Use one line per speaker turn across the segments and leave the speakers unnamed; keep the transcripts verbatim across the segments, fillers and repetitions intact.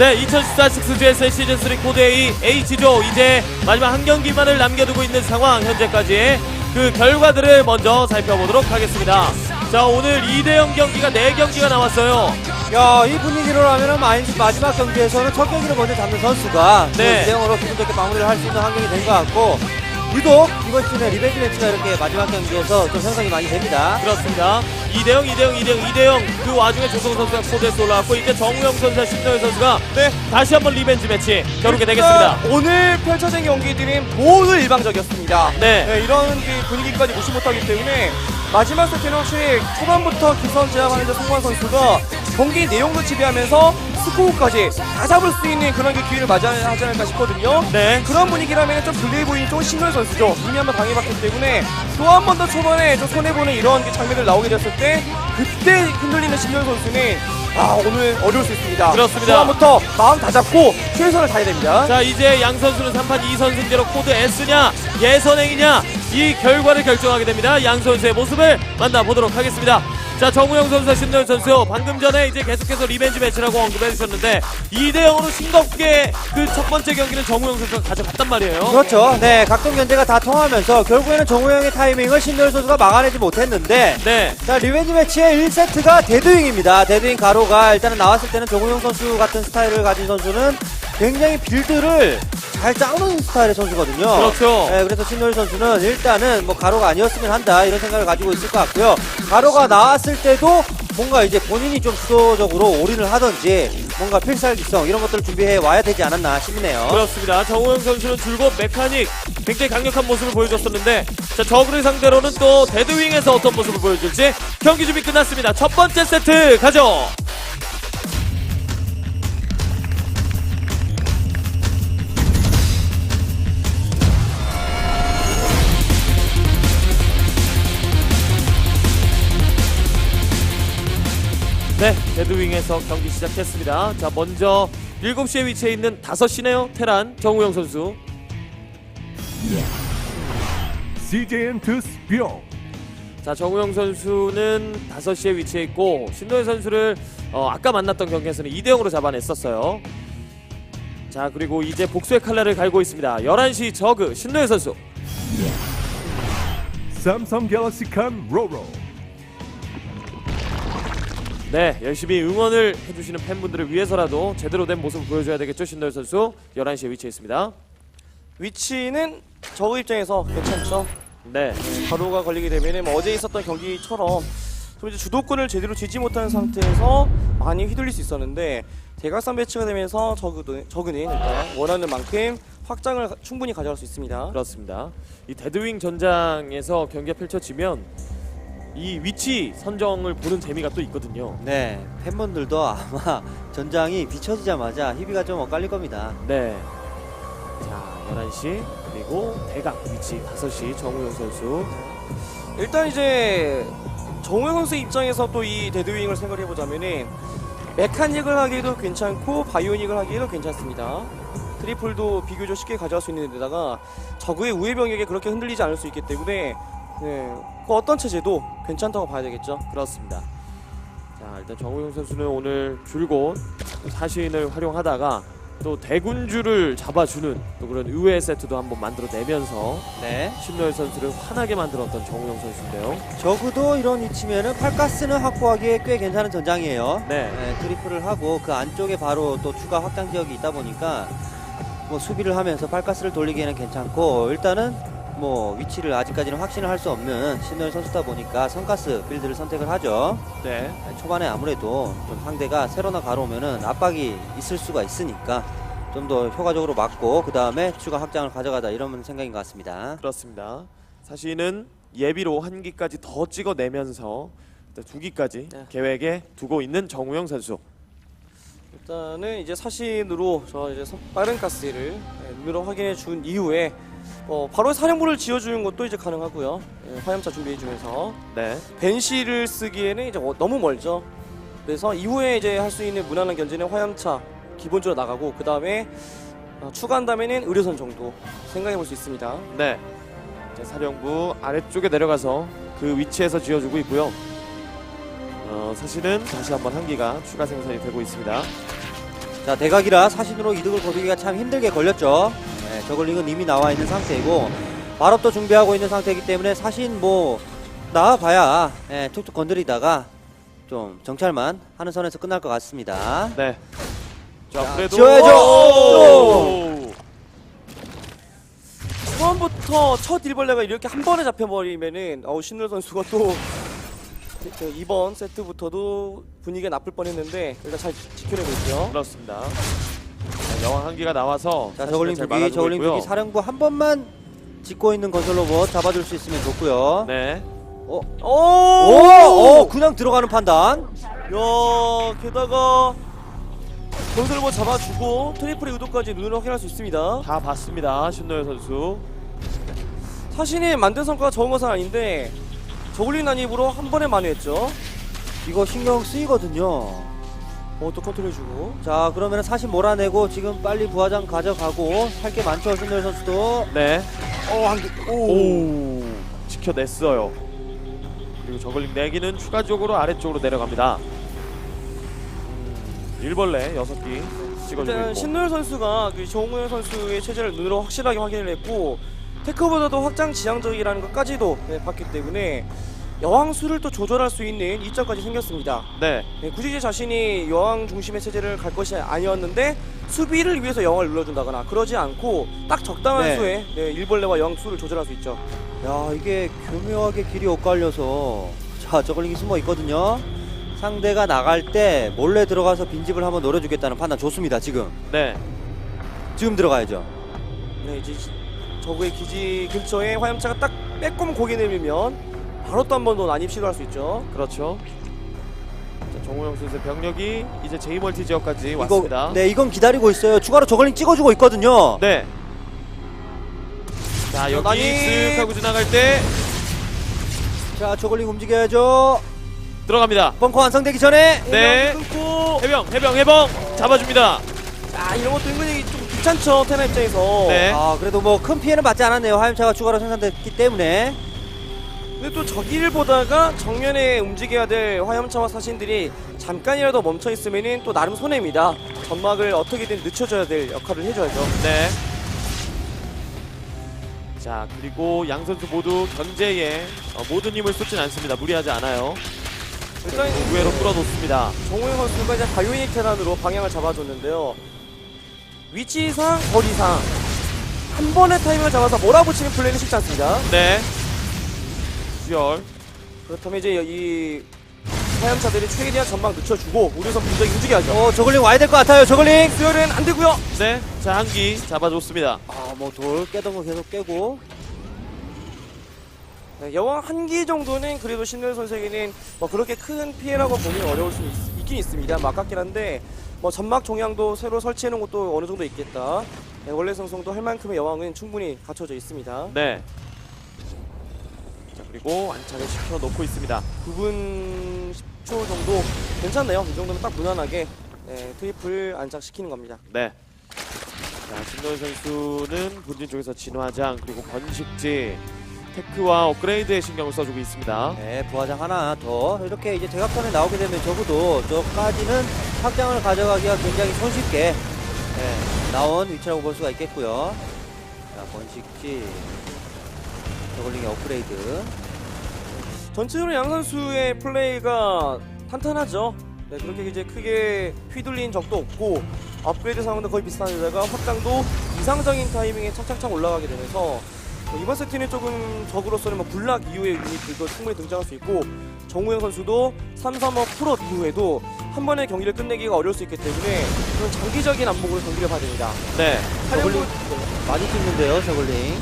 네, 이천십사 식스지에스의 시즌삼 코드 A H조 이제 마지막 한 경기만을 남겨두고 있는 상황. 현재까지의 그 결과들을 먼저 살펴보도록 하겠습니다. 자, 오늘 이 대 영 경기가 네 경기가 나왔어요.
야, 이 분위기로라면 마지막 경기에서는 첫 경기를 먼저 잡는 선수가
네.
이 대 영으로 기분 좋게 마무리를 할 수 있는 환경이 된 것 같고, 유독 이번 시즌에 리벤지 매치가 이렇게 마지막 경기에서 좀 형성이 많이 됩니다.
그렇습니다. 이 대 영, 이 대 영, 이 대 영, 이 대 영. 그 와중에 조성 선수가 코드에서 올라왔고, 이제 정우영 선수와 신노현 선수가
네.
다시 한번 리벤지 매치 겨루게 되겠습니다.
오늘 펼쳐진 경기들은 모두 일방적이었습니다.
네.
네, 이런 그 분위기까지 무시 못하기 때문에 마지막 세트는 확실히 초반부터 기선 제압하는 데 성공한 선수가 경기 내용도 지배하면서 스코어까지 다 잡을 수 있는 그런 그 기회를 맞이하지 않을까 싶거든요.
네.
그런 분위기라면 좀 불리해 보이는 좀 신노현 선수죠. 이미 한번 당해봤기 때문에 또 한 번 더 초반에 좀 손해보는 이런 그 장면들 나오게 됐을 때 그때 흔들리는 신노현 선수는 아, 오늘 어려울 수 있습니다.
그렇습니다.
초반부터 마음 다 잡고 최선을 다해야 됩니다.
자, 이제 양 선수는 삼 판 이 선 승제로 코드 S냐 예선행이냐 이 결과를 결정하게 됩니다. 양 선수의 모습을 만나보도록 하겠습니다. 자, 정우영 선수와 신노현 선수 방금 전에 이제 계속해서 리벤지 매치라고 언급해 주셨는데 이 대 영으로 싱겁게 그 첫 번째 경기는 정우영 선수가 가져갔단 말이에요.
그렇죠. 네, 각종 견제가 다 통하면서 결국에는 정우영의 타이밍을 신노현 선수가 막아내지 못했는데,
네.
자, 리벤지 매치의 일 세트가 데드윙입니다. 데드윙 가로가 일단은 나왔을 때는 정우영 선수 같은 스타일을 가진 선수는 굉장히 빌드를 잘 짜는 스타일의 선수거든요.
그렇죠.
네, 그래서 신노일 선수는 일단은 뭐 가로가 아니었으면 한다 이런 생각을 가지고 있을 것 같고요. 가로가 나왔을 때도 뭔가 이제 본인이 좀 주도적으로 올인을 하든지 뭔가 필살기성 이런 것들을 준비해 와야 되지 않았나 싶네요.
그렇습니다. 정우영 선수는 줄곧 메카닉 굉장히 강력한 모습을 보여줬었는데, 자, 저그를 상대로는 또 데드윙에서 어떤 모습을 보여줄지 경기 준비 끝났습니다. 첫 번째 세트 가죠. 네, 데드윙에서 경기 시작했습니다. 자, 먼저 일곱 시에 위치해 있는 다섯 시네요. 테란 정우영 선수.
씨제이엔 투 스피어.
자, 정우영 선수는 다섯 시에 위치해 있고 신노현 선수를 어, 아까 만났던 경기에서는 이 대 영으로 잡아냈었어요. 자, 그리고 이제 복수의 칼날을 갈고 있습니다. 열한 시 저그 신노현 선수.
삼성 갤럭시 칸 로로.
네, 열심히 응원을 해주시는 팬분들을 위해서라도 제대로 된 모습을 보여줘야 되겠죠. 신노현 선수 열한 시에 위치해 있습니다.
위치는 저그 입장에서 괜찮죠.
네,
가로가 걸리게 되면 뭐 어제 있었던 경기처럼 좀 이제 주도권을 제대로 쥐지 못하는 상태에서 많이 휘둘릴 수 있었는데 대각선 배치가 되면서 저그도, 저그는 일단 원하는 만큼 확장을 충분히 가져갈 수 있습니다.
그렇습니다. 이 데드윙 전장에서 경기가 펼쳐지면 이 위치 선정을 보는 재미가 또 있거든요.
네, 팬분들도 아마 전장이 비춰지자마자 희비가 좀 엇갈릴 겁니다.
네. 자, 열한 시 그리고 대각 위치 다섯 시 정우영 선수.
일단 이제 정우영 선수 입장에서 또 이 데드윙을 생각을 해보자면은 메카닉을 하기에도 괜찮고 바이오닉을 하기에도 괜찮습니다. 트리플도 비교적 쉽게 가져갈 수 있는 데다가 저그의 우회 병력에 그렇게 흔들리지 않을 수 있기 때문에 네, 그 어떤 체제도 괜찮다고 봐야 되겠죠.
그렇습니다. 자, 일단 정우영 선수는 오늘 줄곧 사신을 활용하다가 또 대군주를 잡아주는 또 그런 의외의 세트도 한번 만들어내면서
네,
신노현 선수를 환하게 만들었던 정우영 선수인데요.
적어도 이런 위치면은 팔가스는 확보하기에 꽤 괜찮은 전장이에요.
네.
네, 트리플을 하고 그 안쪽에 바로 또 추가 확장 지역이 있다 보니까 뭐 수비를 하면서 팔가스를 돌리기에는 괜찮고, 일단은 뭐 위치를 아직까지는 확신을 할 수 없는 신노현 선수다 보니까 선가스 빌드를 선택을 하죠.
네.
네, 초반에 아무래도 좀 상대가 세로나 가로오면은 압박이 있을 수가 있으니까 좀 더 효과적으로 막고 그 다음에 추가 확장을 가져가다 이런 생각인 것 같습니다.
그렇습니다. 사실은 예비로 한 기까지 더 찍어내면서 두 기까지
네.
계획에 두고 있는 정우영 선수.
일단은 이제 사신으로 저 이제 빠른 가스를 눈으로 확인해 준 이후에 어, 바로 사령부를 지어주는 것도 이제 가능하고요. 예, 화염차 준비해주면서
네.
벤시를 쓰기에는 이제 어, 너무 멀죠. 그래서 이후에 이제 할 수 있는 무난한 견제는 화염차 기본적으로 나가고 그 다음에 어, 추가한다면은 의료선 정도 생각해 볼 수 있습니다.
네. 이제 사령부 아래쪽에 내려가서 그 위치에서 지어주고 있고요. 어, 사실은 다시 한번 한 기가 추가 생산이 되고 있습니다.
자, 대각이라 사신으로 이득을 거두기가 참 힘들게 걸렸죠. 네, 저글링은 이미 나와 있는 상태이고 발업도 준비하고 있는 상태이기 때문에 사신 뭐 나와봐야 예, 툭툭 건드리다가 좀 정찰만 하는 선에서 끝날 것 같습니다.
네. 자,
자,
그래도
지어야죠.
오!
처음부터 첫 일벌레가 이렇게 한 번에 잡혀버리면은 어우 신노 선수가 또 그 이번 세트부터도 분위기가 나쁠 뻔했는데 일단 잘 지켜내고 있죠.
그렇습니다. 자, 여왕 한기가 나와서
자,
사실은
저글링
잘
두기,
막아주고
저글링
있고요.
두기 사령부 한 번만 짓고 있는 건설 로봇 잡아줄 수 있으면 좋고요.
네.
어,
오!
오, 오, 그냥 들어가는 판단.
야, 게다가 건설을 뭐 잡아주고 트리플의 의도까지 눈으로 확인할 수 있습니다.
다 봤습니다. 신노열 선수.
사신이 만든 성과가 적은 것은 아닌데 저글링 난입으로 한 번에 만회했죠.
이거 신경 쓰이거든요.
어, 또 컨트롤해주고.
자, 그러면 사신 몰아내고 지금 빨리 부하장 가져가고 할 게 많죠, 신노일 선수도.
네.
어, 한 개.
오. 지켜냈어요. 그리고 저글링 네 기는 추가적으로 아래쪽으로 내려갑니다. 음, 일벌레 여섯 기 찍어주고
일단
있고.
신노열 선수가 그 정우영 선수의 체제를 눈으로 확실하게 확인을 했고 테크보다도 확장 지향적이라는 것까지도 네, 봤기 때문에 여왕 수를 또 조절할 수 있는 이점까지 생겼습니다.
네.
네, 굳이 제 자신이 여왕 중심의 체제를 갈 것이 아니었는데 수비를 위해서 여왕을 눌러준다거나 그러지 않고 딱 적당한
네.
수의 네, 일벌레와 여왕 수를 조절할 수 있죠.
야, 이게 교묘하게 길이 엇갈려서 자, 저글링이 숨어 있거든요. 상대가 나갈 때 몰래 들어가서 빈집을 한번 노려주겠다는 판단 좋습니다. 지금
네.
지금 들어가야죠.
네, 이제 저그의 기지 근처에 화염차가 딱 빼꼼 고개 내밀면 바로 또 한 번 더 난입 시도할 수 있죠.
그렇죠. 자, 정우영 선수의 병력이 이제 제이멀티 지역까지
이거
왔습니다.
네, 이건 기다리고 있어요. 추가로 저글링 찍어주고 있거든요.
네. 자, 여기
난입!
쓱 하고 지나갈 때
자, 저글링 움직여야죠.
들어갑니다.
벙커 완성되기 전에.
네.
끊고
해병, 해병, 해병 잡아줍니다.
아 이런 것도 은근히 좀 귀찮죠 테나 입장에서.
네.
아, 그래도 뭐 큰 피해는 받지 않았네요. 화염차가 추가로 생산됐기 때문에.
근데 또 저기를 보다가 정면에 움직여야 될 화염차와 사신들이 잠깐이라도 멈춰 있으면은 또 나름 손해입니다. 점막을 어떻게든 늦춰줘야 될 역할을 해줘야죠.
네. 자, 그리고 양 선수 모두 견제에 어, 모든 힘을 쏟진 않습니다. 무리하지 않아요.
일단
우회로 끌어놓습니다.
정우영 선수가 이제 바이오닉 테란으로 방향을 잡아줬는데요. 위치상, 거리상 한 번의 타이밍을 잡아서 몰아붙이는 플레이는 쉽지 않습니다.
네. 수열.
그렇다면 이제 이 화염차들이 최대한 전방 늦춰주고 우려선 분석이 움직여야죠.
어, 저글링 와야 될 것 같아요. 저글링.
수열은 안 되고요.
네. 자, 한기 잡아줬습니다.
아, 뭐 돌 깨던 거 계속 깨고.
네, 여왕 한 기 정도는 그래도 신노현 선수에게는 뭐 그렇게 큰 피해라고 보기 어려울 수 있, 있긴 있습니다. 뭐 아깝긴 한데 뭐 점막 종양도 새로 설치해놓은 것도 어느 정도 있겠다. 네, 원래 성성도 할 만큼의 여왕은 충분히 갖춰져 있습니다.
네. 자, 그리고 안착을 시켜놓고 있습니다.
구 분 십 초 정도 괜찮네요. 이 정도면 딱 무난하게 네, 트리플 안착시키는 겁니다.
네. 자, 신노현 선수는 본진 쪽에서 진화장 그리고 번식지 테크와 업그레이드에 신경을 써주고 있습니다.
네, 부하장 하나 더. 이렇게 이제 대각선에 나오게 되면 적어도 저까지는 확장을 가져가기가 굉장히 손쉽게 네, 나온 위치라고 볼 수가 있겠고요. 자, 번식지. 저글링의 업그레이드.
전체적으로 양 선수의 플레이가 탄탄하죠. 네, 그렇게 이제 크게 휘둘린 적도 없고 업그레이드 상황도 거의 비슷한 데다가 확장도 이상적인 타이밍에 착착착 올라가게 되면서 이번 세트는 조금 적으로서는 뭐 불락 이후의 유닛들도 충분히 등장할 수 있고 정우영 선수도 삼 삼오 풀업 이후에도 한 번의 경기를 끝내기가 어려울 수 있기 때문에 그런 장기적인 안목으로 경기를 봐야 됩니다.
네.
하려고
많이 찍는데요, 저글링.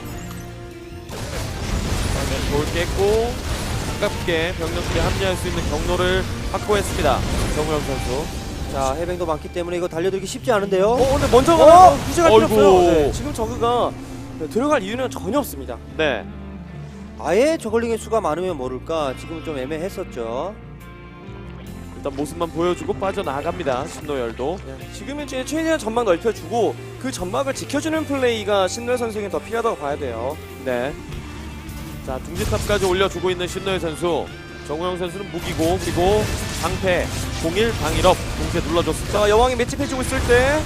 네, 돌 깼고 가깝게 병력들이 합류할 수 있는 경로를 확보했습니다. 정우영 선수.
자, 해병도 많기 때문에 이거 달려들기 쉽지 않은데요.
어 근데 먼저 가면
어?
휴식할 필요
어이구.
없어요. 네, 지금 저그가 네, 들어갈 이유는 전혀 없습니다.
네.
아예 저글링의 수가 많으면 모를까. 지금 좀 애매했었죠.
일단 모습만 보여주고 빠져나갑니다. 신노열도.
네, 지금은 이제 최대한 전막 넓혀주고 그 전막을 지켜주는 플레이가 신노현 선수에게 더 필요하다고 봐야 돼요.
네. 자, 둥지탑까지 올려주고 있는 신노열 선수. 정우영 선수는 무기고 그리고 방패, 공일, 방일업 동시에 눌러줬습니다.
자, 여왕이 맷집해주고 있을 때.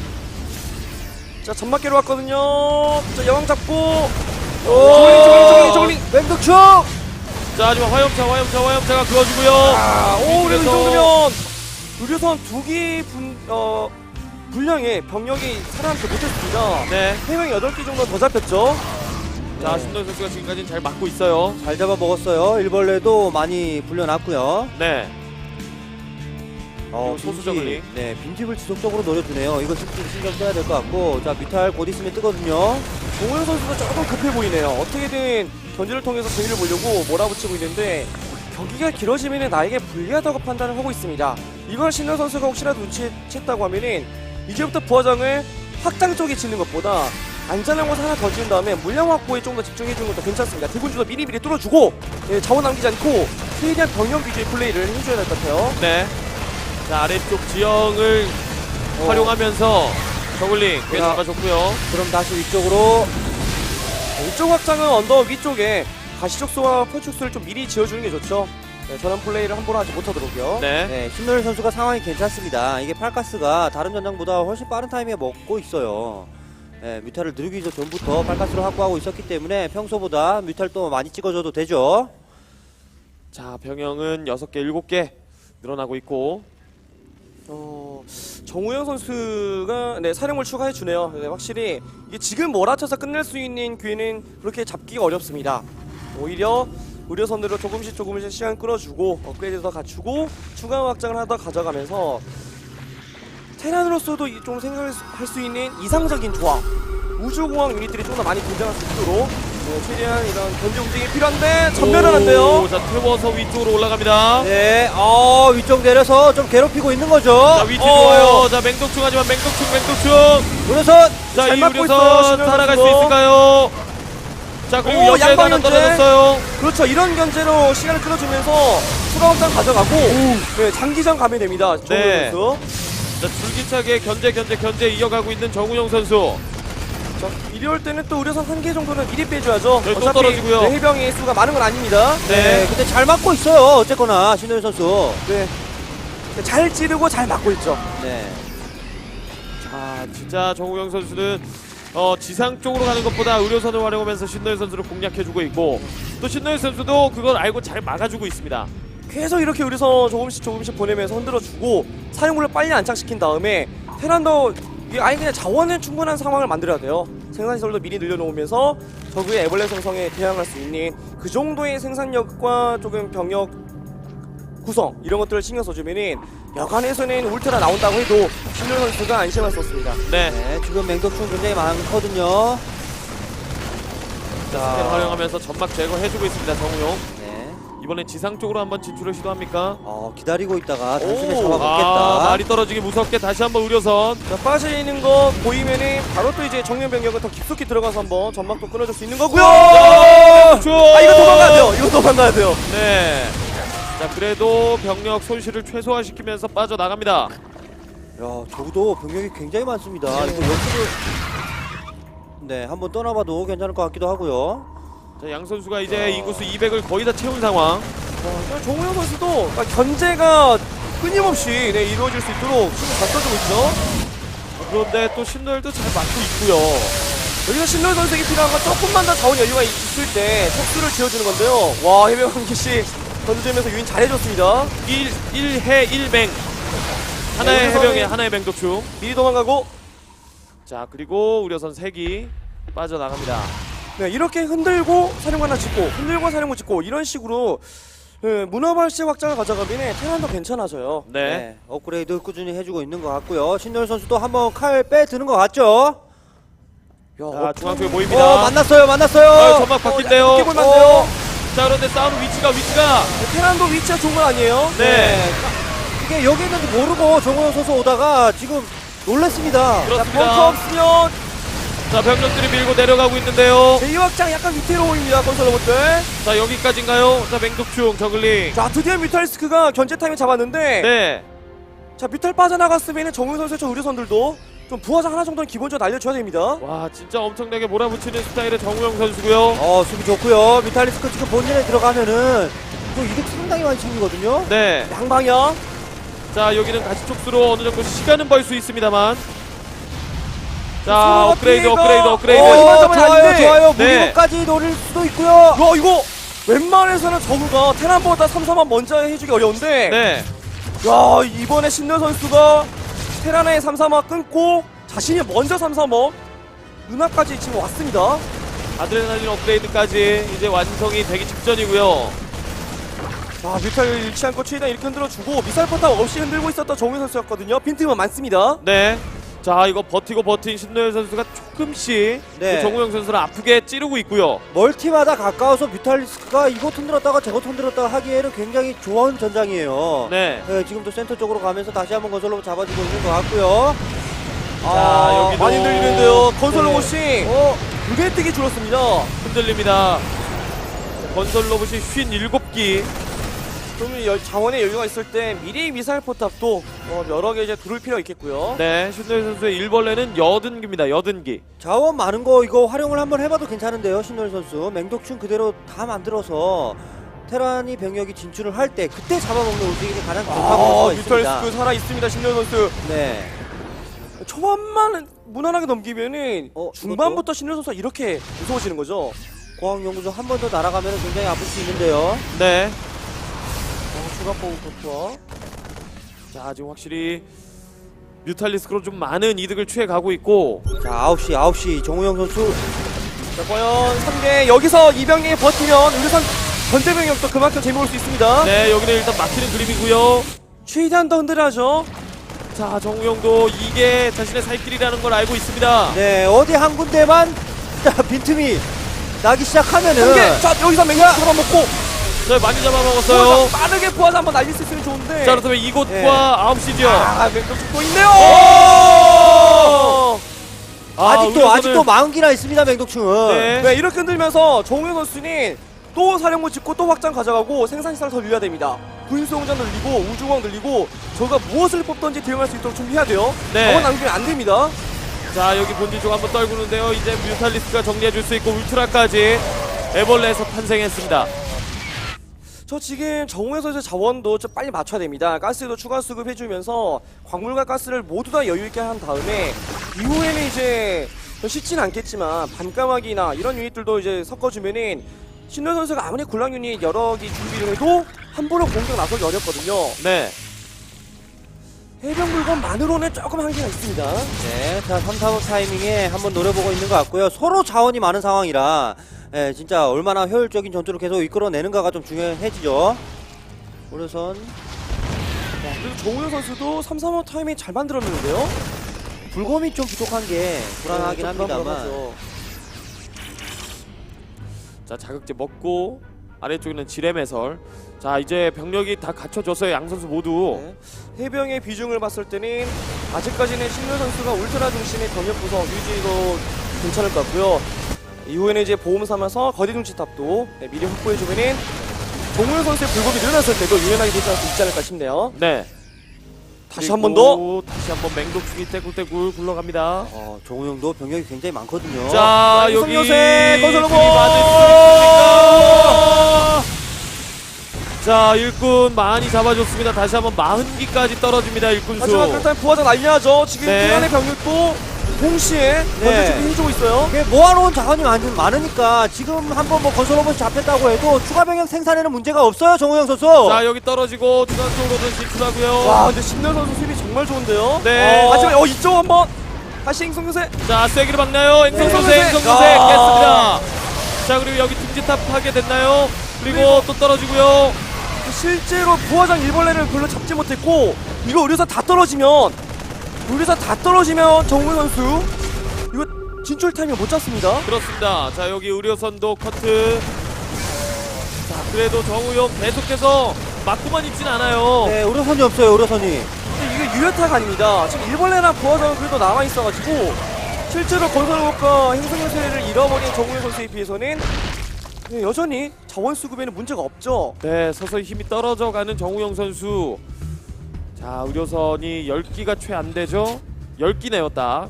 자, 점막계로 왔거든요. 자, 여왕 잡고. 조글링, 조글링, 조글링, 조글링.
맹독충!
자, 하지만 화염차, 화염차, 화염차가 그어주고요.
아, 오, 그래도 이
그래서-
정도면 의료선 두기 분, 어, 분량의 병력이 살아남지 못했습니다.
네.
세 명이 여덟 개 정도 더 잡혔죠.
자,
네.
신노현 선수가 지금까지는 잘 막고 있어요.
잘 잡아먹었어요. 일벌레도 많이 불려놨고요.
네.
어,
그리고 소수
빈집,
저글링.
네, 빈집을 지속적으로 노려주네요. 이거 좀 신경 써야 될 것 같고. 자, 뮤탈 곧 있으면 뜨거든요.
정우영 선수가 조금 급해 보이네요. 어떻게든 견제를 통해서 재미를 보려고 몰아붙이고 있는데 경기가 길어지면 나에게 불리하다고 판단을 하고 있습니다. 이걸 신현 선수가 혹시라도 눈치챘다고 하면은 이제부터 부하장을 확장 쪽에 짓는 것보다 안전한 곳 하나 더 지은 다음에 물량 확보에 좀 더 집중해주는 것도 괜찮습니다. 대군주도 미리미리 뚫어주고 예, 자원 남기지 않고 최대한 병력 위주의 플레이를 해줘야 될 것 같아요.
네. 자, 아래쪽 지형을
어.
활용하면서 저글링 계속
자.
잡아줬고요.
그럼 다시 위쪽으로.
이쪽 확장은 언덕 위쪽에 가시적소와 포축수를 좀 미리 지어주는 게 좋죠. 네, 저런 플레이를 함부로 하지 못하도록요.
네.
네, 신노일 선수가 상황이 괜찮습니다. 이게 팔가스가 다른 전장보다 훨씬 빠른 타이밍에 먹고 있어요. 네, 뮤탈을 누르기 전부터 팔가스로 확보하고 있었기 때문에 평소보다 뮤탈 또 많이 찍어줘도 되죠.
자, 병영은 여섯 개, 일곱 개 늘어나고 있고.
어, 정우영 선수가 네, 사령을 추가해 주네요. 네, 확실히 이게 지금 몰아쳐서 끝낼 수 있는 기회는 그렇게 잡기가 어렵습니다. 오히려 의료선으로 조금씩 조금씩 시간 끌어주고 업그레이드 더 갖추고 추가 확장을 하다 가져가면서 테란으로서도 이- 좀 생각할 수 있는 이상적인 조합, 우주공항 유닛들이 좀 더 많이 등장할 수 있도록 네, 최대한 이런 견제 움직임이 필요한데 전멸은 안 돼요.
오, 자, 태워서 위쪽으로 올라갑니다.
네, 어, 위쪽 내려서 좀 괴롭히고 있는 거죠.
자, 위치
어.
좋아요. 자, 맹독충 하지만 맹독충, 맹독충.
우려선!
자,
잘
이
막고 있어요,
우려선
신현
살아갈 수
선수.
있을까요? 자, 그리고
오,
옆에가
양방
하나
견제.
떨어졌어요.
그렇죠. 이런 견제로 시간을 끌어주면서 추가 확장 가져가고 네, 장기전 가면 됩니다. 정우영
네.
선수.
자, 줄기차게 견제, 견제, 견제 이어가고 있는 정우영 선수.
자, 이리 올 때는 또 의료선 한 개 정도는 미리 빼줘야죠.
네, 또
어차피
떨어지고요.
네, 해병의 수가 많은 건 아닙니다.
네,
네.
근데 잘 맞고 있어요. 어쨌거나, 신노일 선수.
네. 잘 찌르고 잘 막고 있죠.
네.
자, 진짜 정우영 선수는 어, 지상 쪽으로 가는 것보다 의료선을 활용하면서 신노현 선수를 공략해주고 있고 또 신노현 선수도 그걸 알고 잘 막아주고 있습니다.
계속 이렇게 의료선 조금씩 조금씩 보내면서 흔들어주고 사령부를 빨리 안착시킨 다음에 테란도 이 아예 그냥 자원은 충분한 상황을 만들어야 돼요. 생산시설도 미리 늘려놓으면서 적의 애벌레 생성에 대항할 수 있는 그 정도의 생산력과 조금 병력 구성 이런 것들을 신경 써주면은 여간에서는 울트라 나온다고 해도 신현 선수가 안심할 수 없습니다.
네.
네, 지금 맹독충 굉장히 많거든요.
자, 스캔 활용하면서 점막 제거해주고 있습니다. 정우용.
네.
이번엔 지상 쪽으로 한번 진출을 시도합니까?
어, 기다리고 있다가 단숨에
오,
잡아먹겠다.
아, 말이 떨어지기 무섭게 다시 한번 의료선.
자, 빠져있는 거 보이면은 바로 또 이제 정면 병력은 더 깊숙이 들어가서 한번 전막도 끊어줄 수 있는 거고요.
아,
아 이거 도망가야 돼요. 이거 도망가야 돼요.
네. 자, 그래도 병력 손실을 최소화시키면서 빠져나갑니다.
야, 저도 병력이 굉장히 많습니다. 이거 옆으로 네, 한번 떠나봐도 괜찮을 것 같기도 하고요.
자, 양 선수가 이제 인구수 이백을 거의 다 채운 상황.
자, 정우영 선수도 그러니까 견제가 끊임없이 네, 이루어질 수 있도록 힘을 다 써주고 있죠.
그런데 또 신노열도 잘 막고 있고요.
여기서 신노 선수에게 필요한 건 조금만 더 자원 여유가 있을 때 척수를 지어주는 건데요. 와 해병 한기씨 던져주면서 유인 잘해줬습니다.
일 해 일 맹. 하나의
네,
해병에
우려선이-
하나의 맹독충.
미리 도망가고
자, 그리고 우려선 색이 빠져나갑니다.
네, 이렇게 흔들고 사령관 하나 짓고 흔들고 사령부 짓고 이런 식으로 네, 문화발식 확장을 가져가면 테란도 괜찮아져요.
네.
네, 업그레이드 꾸준히 해주고 있는 것 같고요. 신노일 선수도 한번 칼 빼드는 것 같죠?
야,
자, 중앙 쪽에
어,
모입니다.
만났어요, 만났어요.
아, 점막 바뀐대요.
어, 약간 볼만한데요?
자, 그런데 싸우는 위치가 위치가
네, 테란도 위치가 좋은 건 아니에요.
네.
이게 여기 있는지 모르고 정우영 선수 오다가 지금 놀랐습니다.
그렇습니다.
벙커 없으면
자, 병력들이 밀고 내려가고 있는데요.
제이 확장 약간 위태로 보입니다. 건설 로봇들.
자, 여기까지인가요? 자, 맹독충 저글링.
자, 드디어 뮤탈리스크가 견제 타임을 잡았는데
네.
자, 뮤탈 빠져나갔으면 정우 선수의 저 의료선들도 좀 부하장 하나 정도는 기본적으로 날려줘야 됩니다.
와, 진짜 엄청나게 몰아붙이는 스타일의 정우영 선수고요.
어, 수비 좋고요. 미탈리스크 지금 본진에 들어가면은 이거 이득 상당히 많이 챙기거든요.
네.
양방향.
자 여기는 가시 촉수로 어느 정도 시간은 벌 수 있습니다만. 자
서로가
업그레이드
피해가-
업그레이드 업그레이드.
어,
오,
이만 점은
좋아요,
아닌데.
좋아요.
네.
무리고까지 노릴 수도 있고요.
야 이거 웬만해서는 저그가 테란보다 삼, 사만 먼저 해주기 어려운데
네.
야 이번에 신현 선수가 테란의 삼, 사만 끊고 자신이 먼저 삼, 사만 누나까지 지금 왔습니다.
아드레날린 업그레이드까지 이제 완성이 되기 직전이고요.
자 뮤탈 잃지 않고 최대한 이렇게 흔들어주고 미사일 포탑 없이 흔들고 있었던 정우영 선수였거든요. 빈틈은 많습니다.
네. 자 이거 버티고 버틴 신노현 선수가 조금씩
네.
그 정우영 선수를 아프게 찌르고 있고요.
멀티마다 가까워서 뮤탈리스크가 이곳 흔들었다가 저곳 흔들었다가 하기에는 굉장히 좋은 전장이에요.
네.
네, 지금도 센터 쪽으로 가면서 다시 한번 건설로 잡아주고 있는 것 같고요.
자, 여기도-
많이 들리는데요. 건설
네.
로봇이
어,
눈에 띄게 줄었습니다.
흔들립니다. 건설 로봇이 쉰일곱 기.
그러면 여- 자원의 여유가 있을 때 미리 미사일 포탑도 어, 여러 개 이제 두를 필요 있겠고요.
네. 신노현 선수의 일벌레는 여든 기입니다. 여든 기.
자원 많은 거 이거 활용을 한번 해봐도 괜찮은데요. 신노일 선수 맹독충 그대로 다 만들어서 테란이 병력이 진출을 할 때 그때 잡아먹는 움직임이 가장 좋다고
아,
볼 수가 있습니다.
뮤탈리스크 살아 있습니다. 신현 선수.
네.
초반만 무난하게 넘기면은
어,
중반부터 신현 선수가 이렇게 무서워지는 거죠.
고항연구소 한 번 더 날아가면 굉장히 아플 수 있는데요.
네.
어, 추가 보고 좋죠.
자 지금 확실히 뮤탈리스크로 좀 많은 이득을 취해가고 있고.
자, 아홉 시 아홉 시 정우영 선수.
자, 과연 삼 개 여기서 이병력이 버티면 의료선 전대 병력도 그만큼 재미볼 수 있습니다.
네 여기는 일단 막히는 그림이고요.
최대한 더 흔들어야죠.
자 정우영도 이게 자신의 살 길이라는 걸 알고 있습니다.
네, 어디 한 군데만 자, 빈틈이 나기 시작하면은
삼 개. 자, 여기서 맹력 하나 먹고
자 많이 잡아먹었어요.
부하장 빠르게 부하장 한번 날릴 수 있으면 좋은데.
자 그렇다면 이곳과
네.
아홉 시죠.
아, 맹력 죽고 있네요.
아,
아직도
의료선을-
아직도 마흔 기나 있습니다. 맹독충은.
네.
네, 이렇게 흔들면서 정우영 선수는 또 사령부 짓고 또 확장 가져가고 생산시설 더 늘려야 됩니다. 군수공장 늘리고 우주공항 늘리고 저가 무엇을 뽑던지 대응할 수 있도록 준비해야 돼요.
네.
자원 낭비는 안 됩니다.
자 여기 본진 쪽 한번 떨구는데요. 이제 뮤탈리스크가 정리해줄 수 있고 울트라까지 애벌레에서 탄생했습니다.
저 지금 정우영 선수의 자원도 좀 빨리 맞춰야 됩니다. 가스도 추가 수급해주면서 광물과 가스를 모두 다 여유있게 한 다음에 이후에는 이제 쉽진 않겠지만 반까마귀나 이런 유닛들도 이제 섞어주면은 신현 선수가 아무리 굴랑 유닛 여러 개 준비를 해도 함부로 공격 나서기 어렵거든요.
네.
해병 물건만으로는 조금 한계가 있습니다.
네, 자 삼, 사 번 타이밍에 한번 노려보고 있는 것 같고요. 서로 자원이 많은 상황이라 예, 진짜 얼마나 효율적인 전투를 계속 이끌어내는가가 좀 중요해지죠. 우려선
그리고 정우영 선수도 삼, 사 번 타이밍 잘 만들었는데요.
불검이 좀 부족한 게 불안하긴
네, 좀
합니다만
불안불안하죠.
자 자극제 먹고 아래쪽에는 지뢰 매설. 자 이제 병력이 다 갖춰졌어요. 양 선수 모두.
네. 해병의 비중을 봤을 때는 아직까지는 신현 선수가 울트라 중심의 병력 구성 유지도 괜찮을 것 같고요. 이후에는 이제 보험 삼아서 거리 중지탑도 네, 미리 확보해주면은 정우영 선수의 불법이 늘어났을 때도 유연하게 대처할 수 있지 않을까 싶네요.
네.
다시 한 번 더.
그리고 다시 한번 맹독충이 떼굴떼굴 굴러갑니다.
어, 정우영도 병력이 굉장히 많거든요.
자
자,
여기
이성요새 건설 로봇!
들이받을 수 있습니까? 자 일꾼 많이 잡아줬습니다. 다시 한번 마흔 기까지 떨어집니다. 일꾼수.
하지만 그렇다면 부하장 날려야죠. 지금
네.
테란의 병력도 동시에
네.
먼저 준비해주고 있어요.
이게 모아놓은 자원이 많- 많으니까 지금 한번 뭐 건설 로봇이 잡혔다고 해도 추가 병력 생산에는 문제가 없어요. 정우영 선수.
자 여기 떨어지고 중간 쪽으로도 진출하고요.
와 근데 신현 선수 수비 정말 좋은데요.
네.
어, 하지만 어 이쪽 한번 다시 행성요새.
자 세기를 막나요. 행성소세
네.
행성소세
야.
깼습니다. 자 그리고 여기 둥지탑 하게 됐나요? 그리고 또 떨어지고요.
실제로 부하장 일벌레를 별로 잡지 못했고 이거 의료사 다 떨어지면 의료사 다 떨어지면 정우영 선수 이거 진출 타이밍 못 잡습니다.
그렇습니다. 자 여기 의료선도 커트. 자 그래도 정우영 계속해서 맞고만 있진 않아요.
네, 우려선이 없어요. 우려선이.
근데 이게 유효타가 아닙니다. 지금 일벌레나 부하장은 그래도 남아있어가지고 실제로 건설로봇과 행성요새를 잃어버린 정우영 선수에 비해서는 네, 여전히 자원 수급에는 문제가 없죠.
네 서서히 힘이 떨어져가는 정우영 선수. 자 의료선이 열 기가 채 안 되죠. 열 기네요 딱.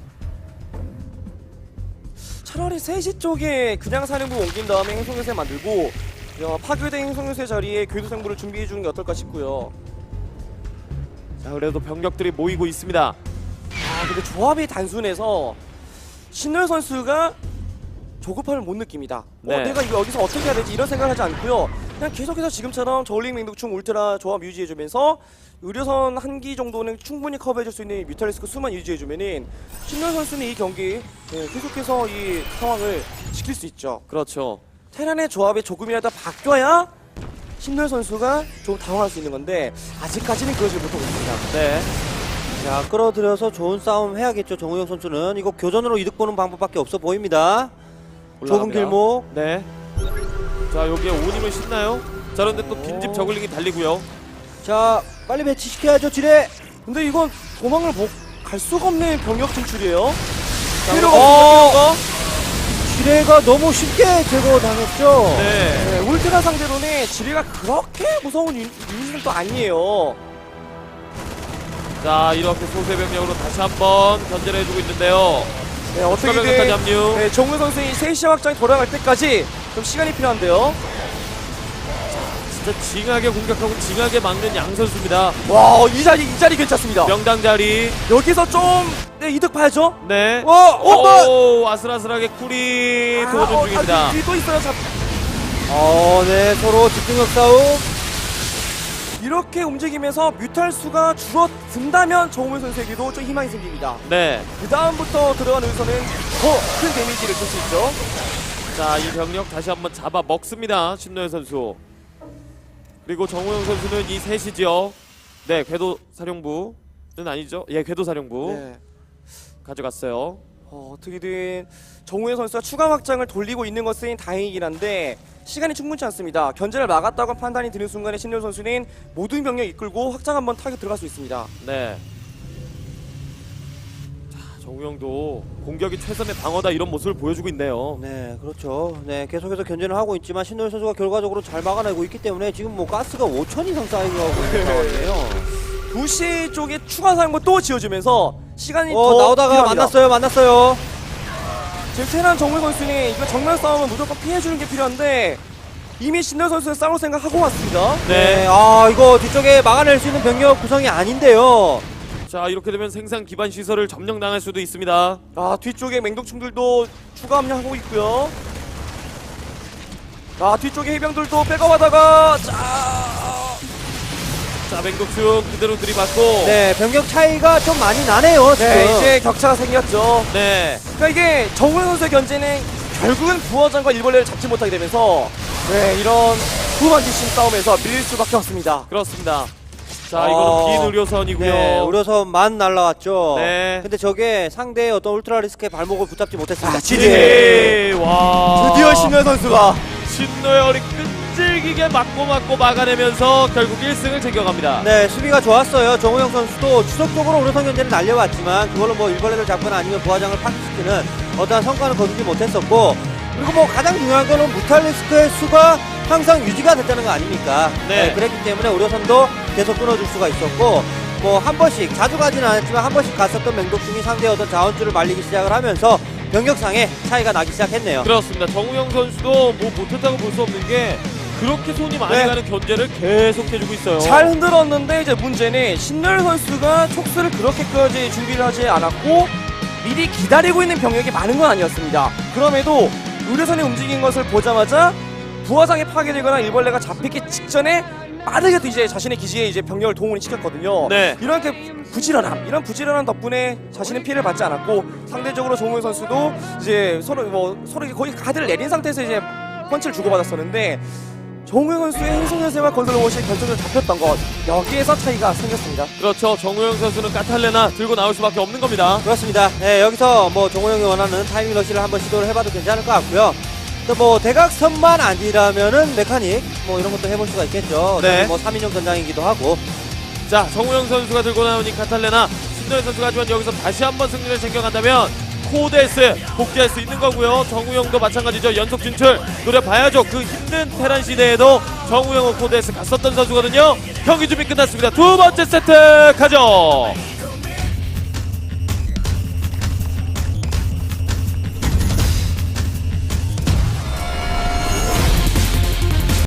차라리 세 시 쪽에 그냥 사령부 옮긴 다음에 행성요새 만들고 야, 파괴된 성유세 자리에 궤도생물을 준비해 주는 게 어떨까 싶고요.
자, 그래도 병력들이 모이고 있습니다.
아, 근데 조합이 단순해서 신노 선수가 조급함을 못 느낍니다.
네.
어, 내가 이거 여기서 어떻게 해야 되지 이런 생각을 하지 않고요. 그냥 계속해서 지금처럼 저울링 맹독충 울트라 조합 유지해주면서 의료선 한 기 정도는 충분히 커버해줄 수 있는 뮤탈리스크 수만 유지해주면은 신노 선수는 이 경기 네, 계속해서 이 상황을 지킬 수 있죠.
그렇죠.
테란의 조합이 조금이라도 바뀌어야 신노 선수가 좀 당황할 수 있는 건데 아직까지는 그러지 못하고 있습니다.
네.
자, 끌어들여서 좋은 싸움 해야겠죠. 정우영 선수는 이거 교전으로 이득 보는 방법밖에 없어 보입니다. 좁은
올라갑니다.
길목.
네. 자, 여기에 오님을 신나요? 자, 그런데 또 빈집 저글링이 달리고요.
자, 빨리 배치시켜야죠, 지뢰.
근데 이건 도망을 못 갈 수가 없는 병력 진출이에요.
자,
필요가
어,
없어요.
지뢰가 너무 쉽게 제거당했죠.
네.
네, 울트라 상대로는 지뢰가 그렇게 무서운 유- 유닛은 또 아니에요.
자, 이렇게 소세 병력으로 다시 한번 견제를 해주고 있는데요.
네,
추가 병력까지
어떻게든
합류.
네, 정우 선수의 세 시 확장이 돌아갈 때까지 좀 시간이 필요한데요.
진짜 징하게 공격하고 징하게 막는 양 선수입니다.
와, 이 자리 이 자리 괜찮습니다.
명당 자리.
여기서 좀 네, 이득 봐야죠.
네.
어, 어,
오, 아슬아슬하게 쿨이 도전
어,
중입니다.
아, 뒤- 뒤도 있어요. 자,
어, 네, 서로 집중력 싸움.
이렇게 움직이면서 뮤탈 수가 줄어든다면 정우 선수에게도 좀 희망이 생깁니다.
네.
그 다음부터 들어간 의선은 더 큰 데미지를 줄 수 있죠.
자, 이 병력 다시 한번 잡아 먹습니다. 신노현 선수. 그리고 정우영 선수는 이 셋이죠. 네, 궤도 사령부는 아니죠. 예, 궤도 사령부
네.
가져갔어요.
어, 어떻게든 정우영 선수가 추가 확장을 돌리고 있는 것은 다행이긴 한데 시간이 충분치 않습니다. 견제를 막았다고 판단이 드는 순간에 신노 선수는 모든 병력 이끌고 확장 한번 타격 들어갈 수 있습니다.
네. 자, 정우영도 공격이 최선의 방어다 이런 모습을 보여주고 있네요.
네, 그렇죠. 네, 계속해서 견제는 하고 있지만 신노일 선수가 결과적으로 잘 막아내고 있기 때문에 지금 뭐 가스가 오천 이상 쌓이고 있는 상황이에요.
두 시 쪽에 추가 사용고 또 지어주면서 시간이
어,
더
나오다가
필요합니다.
만났어요, 만났어요.
지금 테란 정우 선수는 이거 정면 싸움은 무조건 피해주는 게 필요한데 이미 신노 선수는 싸울 생각하고 왔습니다.
네,
네.
아, 이거 뒤쪽에 막아낼 수 있는 병력 구성이 아닌데요.
자, 이렇게 되면 생산 기반 시설을 점령당할 수도 있습니다.
아, 뒤쪽에 맹독충들도 추가 합류하고 있고요. 아, 뒤쪽에 해병들도 백업하다가 자,
자, 맹독충 그대로 들이받고.
네, 병력 차이가 좀 많이 나네요, 지금.
네, 이제 격차가 생겼죠.
네.
그러니까 이게 정우영 선수의 견제는 결국은 부화장과 일벌레를 잡지 못하게 되면서 네, 이런 후반지심 싸움에서 밀릴 수밖에 없습니다.
그렇습니다. 자,
어,
이거는 빈 의료선이고요.
네, 의료선만 날라왔죠.
네.
근데 저게 상대의 어떤 울트라 리스크의 발목을 붙잡지 못했습니다.
아,
지뢰.
네. 와.
드디어 신노 선수가
신노의 어리 끈질기게 맞고 맞고 막아내면서 결국 일 승을 챙겨갑니다.
네, 수비가 좋았어요. 정우영 선수도 추석적으로 의료선 견제는 날려왔지만 그걸로 뭐 일벌레를 잡거나 아니면 부하장을 파괴시키는 어떠한 성과는 거두지 못했었고, 그리고 뭐 가장 중요한 거는 무탈리스크의 수가 항상 유지가 됐다는 거 아닙니까?
네.
그랬기 때문에 의료선도 계속 끊어줄 수가 있었고, 뭐 한 번씩, 자주 가지는 않았지만 한 번씩 갔었던 맹독충이 상대의 어떤 자원줄을 말리기 시작을 하면서 병력상의 차이가 나기 시작했네요.
그렇습니다. 정우영 선수도 뭐 못했다고 볼 수 없는 게 그렇게 손이 많이
네.
가는 견제를 계속 해주고 있어요.
잘 흔들었는데 이제 문제는 신노 선수가 촉수를 그렇게까지 준비를 하지 않았고 미리 기다리고 있는 병력이 많은 건 아니었습니다. 그럼에도 의료선이 움직인 것을 보자마자 부하장이 파괴되거나 일벌레가 잡히기 직전에 빠르게 또 이제 자신의 기지에 이제 병력을 동원이 시켰거든요.
네.
이렇게 부지런함, 이런 부지런함 덕분에 자신은 피해를 받지 않았고 상대적으로 정우영 선수도 이제 서로 뭐 서로 이제 거의 가드를 내린 상태에서 이제 펀치를 주고받았었는데 정우영 선수의 행성연세와 건설 로봇이 결정적으로 잡혔던 것, 여기에서 차이가 생겼습니다.
그렇죠. 정우영 선수는 까탈레나 들고 나올 수밖에 없는 겁니다.
그렇습니다. 네, 여기서 뭐 정우영이 원하는 타이밍 러시를 한번 시도를 해봐도 괜찮을 것 같고요. 또 뭐 대각선만 아니라면은 메카닉 뭐 이런 것도 해볼 수가 있겠죠.
네.
뭐 삼 인용 전장이기도 하고.
자, 정우영 선수가 들고 나온 이 카탈레나, 신노현 선수가 하지만 여기서 다시 한번 승리를 챙겨간다면 코데스 복귀할 수 있는 거고요. 정우영도 마찬가지죠. 연속 진출 노려봐야죠. 그 힘든 테란 시대에도 정우영은 코데스 갔었던 선수거든요. 경기 준비 끝났습니다. 두 번째 세트 가죠.